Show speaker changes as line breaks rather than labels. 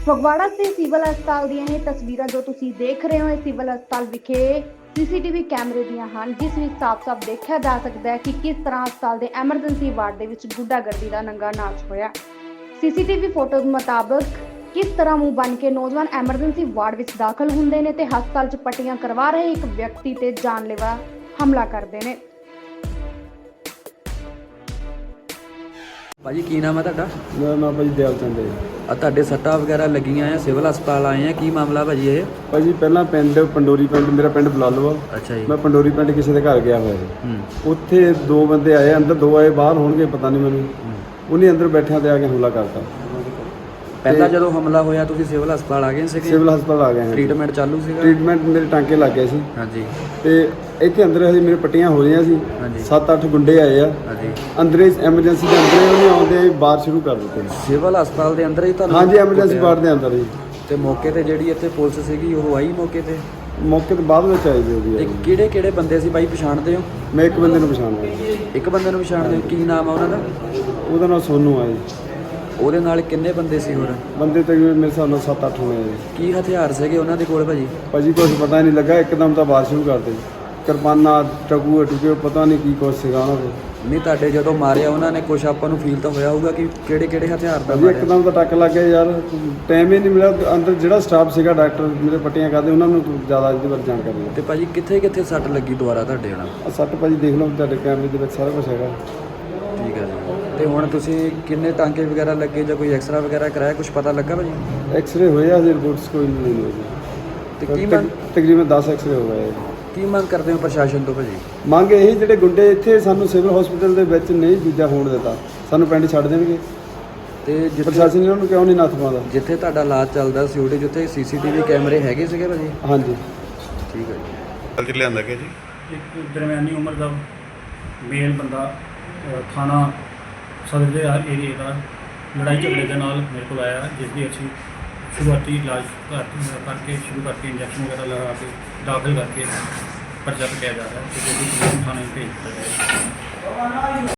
ਫਗਵਾੜਾ ਦੇ ਸਿਵਲ ਹਸਪਤਾਲ ਦੀਆਂ ਇਹ ਤਸਵੀਰਾਂ ਜੋ ਤੁਸੀਂ ਦੇਖ ਰਹੇ ਹੋ ਇਹ ਸਿਵਲ ਹਸਪਤਾਲ ਵਿਖੇ ਸੀਸੀਟੀਵੀ ਕੈਮਰੇ ਦੀਆਂ ਹਨ, ਜਿਸ ਵਿੱਚ ਸਾਫ਼-ਸਾਫ਼ ਦੇਖਿਆ ਜਾ ਸਕਦਾ ਹੈ ਕਿ ਕਿਸ ਤਰ੍ਹਾਂ ਹਸਪਤਾਲ ਦੇ ਐਮਰਜੈਂਸੀ ਵਾਰਡ ਦੇ ਵਿੱਚ ਗੁੰਡਾਗਰਦੀ ਦਾ ਨੰਗਾ ਨਾਚ ਹੋਇਆ। ਸੀਸੀਟੀਵੀ ਫੋਟੋ ਮੁਤਾਬਕ ਕਿਸ ਤਰ੍ਹਾਂ ਮੂੰਹ ਬੰਨ ਕੇ ਨੌਜਵਾਨ ਐਮਰਜੈਂਸੀ ਵਾਰਡ ਵਿੱਚ ਦਾਖਲ ਹੁੰਦੇ ਨੇ ਤੇ ਹਸਪਤਾਲ 'ਚ ਪੱਟੀਆਂ ਕਰਵਾ ਰਹੇ ਇੱਕ ਵਿਅਕਤੀ ਤੇ ਜਾਨਲੇਵਾ ਹਮਲਾ ਕਰਦੇ ਨੇ।
ਭਾਜੀ ਕੀ ਨਾਮ ਹੈ ਤੁਹਾਡਾ?
ਮੇਰਾ ਨਾਮ ਭਾਜੀ ਦਿਆਲ ਚੰਦ ਹੈ।
ਆ ਤੁਹਾਡੇ ਸੱਟਾਂ ਵਗੈਰਾ ਲੱਗੀਆਂ ਆ, ਸਿਵਲ ਹਸਪਤਾਲ ਆਏ ਆ, ਕੀ ਮਾਮਲਾ ਭਾਜੀ ਇਹ?
ਭਾਜੀ ਪਹਿਲਾਂ ਪੰਡੋਰੀ ਪਿੰਡ, ਮੇਰਾ ਪਿੰਡ ਬਲਾਲੋ ਆ।
ਅੱਛਾ ਜੀ।
ਮੈਂ ਪੰਡੋਰੀ ਪਿੰਡ ਕਿਸੇ ਦੇ ਘਰ ਗਿਆ ਹੋਇਆ ਸੀ। ਉੱਥੇ ਦੋ ਬੰਦੇ ਆਏ, ਅੰਦਰ ਦੋ ਆਏ, ਬਾਹਰ ਹੋਣਗੇ ਪਤਾ ਨਹੀਂ ਮੈਨੂੰ। ਉਹਨੇ ਅੰਦਰ ਬੈਠਿਆਂ ਤੇ ਆ ਕੇ ਹਮਲਾ ਕਰਤਾ।
ਪਹਿਲਾਂ ਜਦੋਂ ਹਮਲਾ ਹੋਇਆ ਤੁਸੀਂ ਸਿਵਲ ਹਸਪਤਾਲ ਆ ਗਏ ਸੀਗੇ?
ਸਿਵਲ ਹਸਪਤਾਲ ਆ ਗਏ ਹਾਂ।
ਟ੍ਰੀਟਮੈਂਟ ਚਾਲੂ ਸੀਗਾ?
ਟ੍ਰੀਟਮੈਂਟ ਮੇਰੇ ਟਾਂਕੇ ਲੱਗ ਗਏ ਸੀ।
ਹਾਂਜੀ।
ਤੇ ਇੱਥੇ ਅੰਦਰ ਹਜੇ ਮੇਰੇ ਪੱਟੀਆਂ ਹੋ ਰਹੀਆਂ ਸੀ।
ਹਾਂਜੀ।
7-8 ਗੁੰਡੇ ਆਏ ਆ।
ਹਾਂਜੀ।
ਅੰਦਰੇ ਐਮਰਜੈਂਸੀ ਦੇ ਅੰਦਰੇ ਉਹਨੇ ਆਉਂਦੇ ਬਾਹਰ ਸ਼ੁਰੂ ਕਰ ਦਿੱਤੇ।
ਸਿਵਲ ਹਸਪਤਾਲ ਦੇ ਅੰਦਰ ਹੀ ਤੁਹਾਨੂੰ?
ਹਾਂਜੀ, ਐਮਰਜੈਂਸੀ ਵਾਰਡ ਦੇ ਅੰਦਰ ਹੀ।
ਤੇ ਮੌਕੇ ਤੇ ਜਿਹੜੀ ਇੱਥੇ ਪੁਲਿਸ ਸੀਗੀ ਉਹ ਆਈ ਮੌਕੇ ਤੇ?
ਮੌਕੇ ਤੇ ਬਾਅਦ ਵਿੱਚ ਆਈ ਜੀ ਉਹਦੀ।
ਤੇ ਕਿਹੜੇ ਬੰਦੇ ਸੀ ਭਾਈ, ਪਛਾਣਦੇ ਹੋ?
ਮੈਂ ਇੱਕ ਬੰਦੇ ਨੂੰ ਪਛਾਣਦਾ।
ਇੱਕ ਬੰਦੇ ਨੂੰ ਪਛਾਣਦੇ ਹੋ? ਕੀ ਨਾਮ ਆ ਉਹਨਾਂ ਦਾ?
ਉਹਦਾ ਨਾਮ ਸੋਨੂ ਆ ਜੀ।
ਉਹਦੇ ਨਾਲ ਕਿੰਨੇ ਬੰਦੇ ਸੀ ਹੋਰ?
ਬੰਦੇ ਤਕਰੀਬਨ ਮੇਰੇ ਹਿਸਾਬ ਨਾਲ 7-8 ਹੋਣੇ ਜੀ।
ਕੀ ਹਥਿਆਰ ਸੀਗੇ ਉਹਨਾਂ ਦੇ ਕੋਲ ਭਾਜੀ?
ਭਾਜੀ ਕੁਛ ਪਤਾ ਨਹੀਂ ਲੱਗਾ, ਇੱਕਦਮ ਤਾਂ ਬਾਰਿਸ਼ ਸ਼ੁਰੂ ਕਰ ਦਿੱਤੀ। ਕਿਰਪਾਨਾਂ, ਟਕੂਏ ਟੁਕੇ, ਪਤਾ ਨਹੀਂ ਕੀ ਕੁਛ ਸੀਗਾ ਉਹਨਾਂ ਦੇ।
ਨਹੀਂ ਤੁਹਾਡੇ ਜਦੋਂ ਮਾਰਿਆ ਉਹਨਾਂ ਨੇ ਕੁਛ ਆਪਾਂ ਨੂੰ ਫੀਲ ਤਾਂ ਹੋਇਆ ਹੋਊਗਾ ਕਿ ਕਿਹੜੇ ਹਥਿਆਰ ਦਾ
ਭਾਜੀ
ਮਾਰਿਆ?
ਇੱਕਦਮ ਤਾਂ ਟੱਕ ਲੱਗ ਗਿਆ ਯਾਰ, ਟਾਈਮ ਹੀ ਨਹੀਂ ਮਿਲਿਆ। ਅੰਦਰ ਜਿਹੜਾ ਸਟਾਫ ਸੀਗਾ, ਡਾਕਟਰ ਮੇਰੇ ਪੱਟੀਆਂ ਕਰਦੇ, ਉਹਨਾਂ ਨੂੰ ਜ਼ਿਆਦਾ ਇਹਦੇ ਬਾਰੇ ਜਾਣਕਾਰੀ ਹੈ।
ਤੇ ਭਾਜੀ ਕਿੱਥੇ ਸੱਟ ਲੱਗੀ ਦੁਬਾਰਾ ਤੁਹਾਡੇ ਨਾਲ?
ਆਹ ਸੱਟ ਭਾਜੀ ਦੇਖ ਲਓ, ਤੁਹਾਡੇ ਕੈਮਰੇ ਦੇ ਵਿੱਚ ਸਾਰਾ ਕੁਝ ਹੈਗਾ।
ਠੀਕ ਹੈ ਜੀ। ਤੇ ਹੁਣ ਤੁਸੀਂ ਕਿੰਨੇ ਟਾਂਕੇ ਵਗੈਰਾ ਲੱਗੇ ਜਾਂ ਕੋਈ ਐਕਸਰਾ ਵਗੈਰਾ ਕਰਾਇਆ, ਕੁਝ ਪਤਾ ਲੱਗਾ ਭਾਜੀ?
ਐਕਸਰੇ ਹੋਏ ਆ, ਹਜੇ ਰਿਪੋਰਟਸ ਕੋਈ ਨਹੀਂ ਹੋਈ
ਤੇ
ਜੀ।
ਕੀ ਮੰਗ
ਤਕਰੀਬਨ 10 ਐਕਸਰੇ ਹੋ ਗਏ।
ਕੀ ਮੰਗ ਕਰਦੇ ਹੋ ਪ੍ਰਸ਼ਾਸਨ ਤੋਂ ਭਾਜੀ?
ਮੰਗ ਇਹੀ, ਜਿਹੜੇ ਗੁੰਡੇ ਇੱਥੇ ਸਾਨੂੰ ਸਿਵਲ ਹਸਪੀਟਲ ਦੇ ਵਿੱਚ ਨਹੀਂ ਦੂਜਾ ਹੋਣ ਦਿੱਤਾ, ਸਾਨੂੰ ਪਿੰਡ ਛੱਡ ਦੇਣਗੇ।
ਤੇ
ਪ੍ਰਸ਼ਾਸਨ ਇਹਨਾਂ ਨੂੰ ਕਿਉਂ ਨਹੀਂ ਨੱਥ ਪਾਉਂਦਾ?
ਜਿੱਥੇ ਤੁਹਾਡਾ ਇਲਾਜ ਚੱਲਦਾ ਸੀ ਉਹਦੇ ਜਿੱਥੇ ਸੀਸੀਟੀਵੀ ਕੈਮਰੇ ਹੈਗੇ ਸੀਗੇ ਭਾਜੀ?
ਹਾਂਜੀ।
ਠੀਕ ਹੈ ਜੀ।
ਚ ਲਿਆਂਦਾ ਗਿਆ ਜੀ
ਇੱਕ ਦਰਮਿਆਨੀ ਉਮਰ ਦਾ ਮੇਲ ਬੰਦਾ ਥਾਣਾ ਸਦਰ ਦੇ ਏਰੀਏ ਦਾ ਲੜਾਈ ਝਗੜੇ ਦੇ ਨਾਲ ਮੇਰੇ ਕੋਲ ਆਇਆ, ਜਿਸ ਦੀ ਅਸੀਂ ਸ਼ੁਰੂਆਤੀ ਇਲਾਜ ਕਰਕੇ ਇੰਜੈਕਸ਼ਨ ਵਗੈਰਾ ਲਗਾ ਕੇ ਦਾਖਲ ਕਰਕੇ ਪਰਚਾ ਕੱਟਿਆ ਜਾ ਰਿਹਾ ਹੈ ਤੇ ਥਾਣੇ ਭੇਜ ਦਿੱਤਾ ਜਾਏਗਾ।